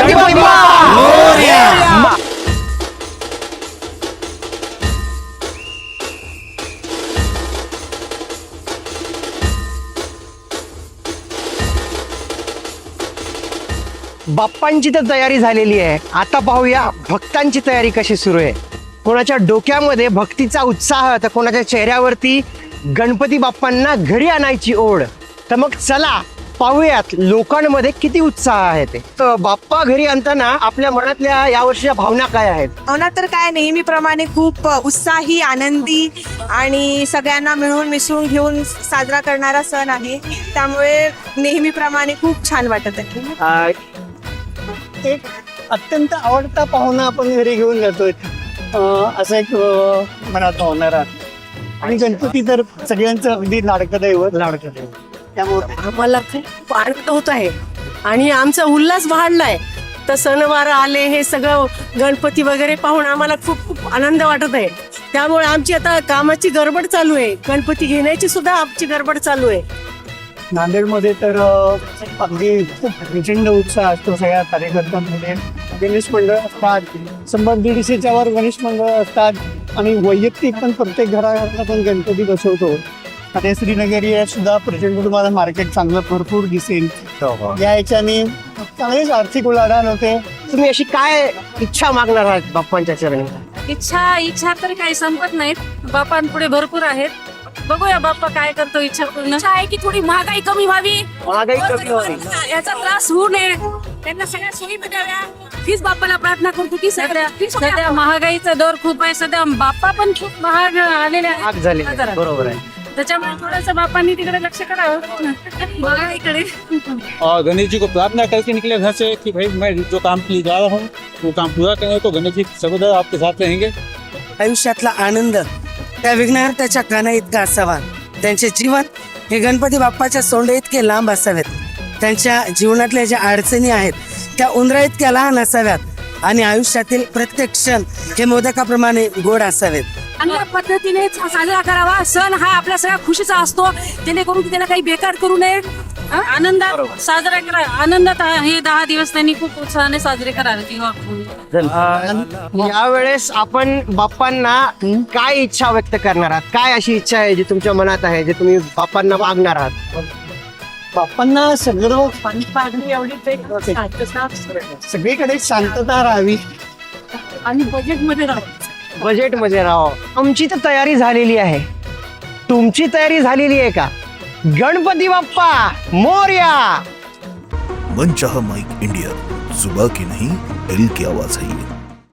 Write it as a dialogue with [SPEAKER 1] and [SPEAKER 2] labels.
[SPEAKER 1] गणपती बाप्पा मोरया. बाप्पांची तर तयारी झालेली आहे. आता पाहूया भक्तांची तयारी कशी सुरू आहे. कोणाच्या डोक्यामध्ये भक्तीचा उत्साह तर कोणाच्या चेहऱ्यावरती गणपती बाप्पांना घरी आणायची ओढ. तर मग चला पाहूयात लोकांमध्ये किती उत्साह आहे ते. तर बाप्पा घरी आणताना आपल्या मनातल्या यावर्षीच्या भावना काय आहेत?
[SPEAKER 2] भावना तर काय नेहमीप्रमाणे खूप उत्साही, आनंदी आणि सगळ्यांना मिळून मिसळून घेऊन साजरा करणारा सण आहे. त्यामुळे नेहमीप्रमाणे खूप छान वाटत आहे.
[SPEAKER 3] एक अत्यंत आवडता पाहुणा आपण घरी घेऊन जातोय असं एक मनात होणार आहे. आणि गणपती तर सगळ्यांचं अगदी लाडकं दैवत त्यामुळे
[SPEAKER 4] आम्हाला खूप आनंद होत आहे आणि आमचा उल्हास वाढलाय. तर सणवार आले, हे सगळं गणपती वगैरे पाहून आम्हाला खूप खूप आनंद वाटत आहे. त्यामुळे आमची आता कामाची गडबड चालू आहे. गणपती घेण्याची सुद्धा आमची गडबड चालू आहे.
[SPEAKER 3] नांदेडमध्ये तर अगदी खूप प्रचंड उत्साह असतो सगळ्या कार्यकर्त्यांमध्ये. गणेश मंडळ असतात, 100-150च्या वर गणेश मंडळ असतात आणि वैयक्तिक पण प्रत्येक घराघरात आपण गणपती बसवतो. आणि श्रीनगर या सुद्धा प्रचंड तुम्हाला मार्केट चांगलं भरपूर दिसेल. या ह्याच्याने चांगलीच आर्थिक उलाढाल होते.
[SPEAKER 1] तुम्ही अशी काय इच्छा मागणार आहात बाप्पांच्या चरणी?
[SPEAKER 5] इच्छा तर काही संपत नाहीत. बापांपुढे भरपूर आहेत. बघूया बाप्पा काय करतो. इच्छा पूर्ण इच्छा आहे की थोडी महागाई कमी व्हावी,
[SPEAKER 1] महागाई कमी व्हावी,
[SPEAKER 5] याचा त्रास होऊ नये, त्यांना सगळ्या सोयी मिळाव्या. हीच बाप्पाला प्रार्थना करतो की सध्या महागाईचा दर खूप आहे. सध्या बाप्पा पण खूप महाग आलेले
[SPEAKER 1] महाग झाले.
[SPEAKER 5] आहेत.
[SPEAKER 1] बरोबर आहे.
[SPEAKER 5] त्याच्यामुळे थोडंसं बाप्पांनी तिकडे लक्ष करावं महागाईकडे.
[SPEAKER 6] और गणेश जी को प्रार्थना करके निकले घर से कि भाई मैं जो काम के लिए जा रहा हूँ वो काम पूरा करें. तो गणेश जी सर्वदा आपके साथ रहेंगे.
[SPEAKER 7] आयुष्यातला आनंद त्या विघ्नहर्त्याच्या काना इतका असावा. त्यांचे जीवन हे गणपती बाप्पाच्या सोंडे इतके लांब असावेत. त्यांच्या जीवनातल्या ज्या अडचणी आहेत त्या उंदरा इतक्या लहान असाव्यात आणि आयुष्यातील प्रत्येक क्षण हे मोदकाप्रमाणे गोड असावेत.
[SPEAKER 5] चांगल्या पद्धतीने साजरा करावा. सण हा आपल्या सगळ्या खुशीचा असतो, जेणेकरून त्याला काही बेकार करू नये. आनंदात साजरा करा. आनंदात हे 10 दिवस त्यांनी खूप उत्साहाने साजरे करावे.
[SPEAKER 1] यावेळेस आपण बाप्पांना काय इच्छा व्यक्त करणार आहात? काय अशी इच्छा आहे जी तुमच्या मनात आहे, जे तुम्ही बाप्पांना मागणार आहात?
[SPEAKER 3] बाप्पांना सगळं सगळीकडे शांतता राहावी
[SPEAKER 5] आणि बजेटमध्ये राहा.
[SPEAKER 1] बजेटमध्ये राहा. आमची तर तयारी झालेली आहे. तुमची तयारी झालेली आहे का? गणपती बाप्पा मोरया.
[SPEAKER 8] मनचाहा माइक इंडिया, जुबा की नहीं दिल की आवाज है ये.